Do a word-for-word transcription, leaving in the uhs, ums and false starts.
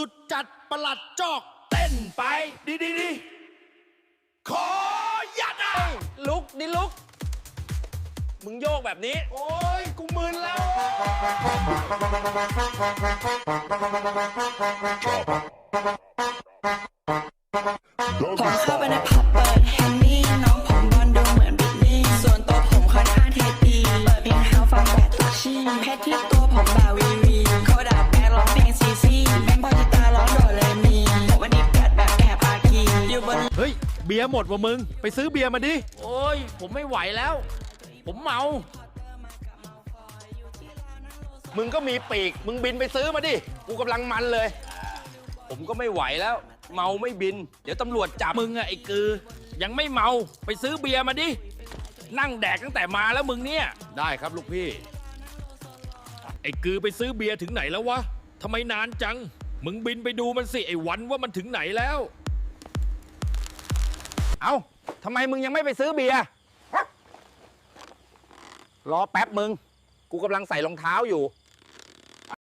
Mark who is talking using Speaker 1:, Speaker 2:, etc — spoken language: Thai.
Speaker 1: สุดจัดประหลัดจอกเต้นไปดีดีดีขอยัดอ่ะ
Speaker 2: ลุกดิลุกมึงโยกแบบนี้
Speaker 1: โอ้ยกูมึนแล้ว
Speaker 3: ผมเข้าไปในผับเปิดแฮนดี้น้องผมบอลดูเหมือนบิลลี่ส่วนตัวผมค่อนข้างเท่ดีเปิดเพลงเฮาฟังแบบตุกชี่เพชรที่ตัวผมแบบวีวีเขาด่าแบกร้องเพลงซีซีแม่งพอจิตาร้องโดดเลยมีผมวันนี้เปียดแบบแอบอากีอยู่บน
Speaker 1: เฮ้ยเบียร์หมดว่ะมึงไปซื้อเบียร์มาดิ
Speaker 2: โอ้ยผมไม่ไหวแล้ว ผมเมา
Speaker 4: มึงก็มีปีกมึงบินไปซื้อมาดิกูกำลังมันเลย
Speaker 2: ผมก็ไม่ไหวแล้ว เมาไม่บิน เดี๋ยวตำรวจจับมึงอะไอ้กือ ยังไม่เมาไปซื้อเบียร์มาดิ นั่งแดกตั้งแต่มาแล้วมึงเนี่ย
Speaker 4: ได้ครับลูกพี่
Speaker 1: ไอ้กือไปซื้อเบียร์ถึงไหนแล้ววะทำไมนานจังมึงบินไปดูมันสิไอ้วันว่ามันถึงไหนแล้ว
Speaker 4: เอ้าทำไมมึงยังไม่ไปซื้อเบียร์รอแป๊บมึงกูกำลังใส่รองเท้าอยู่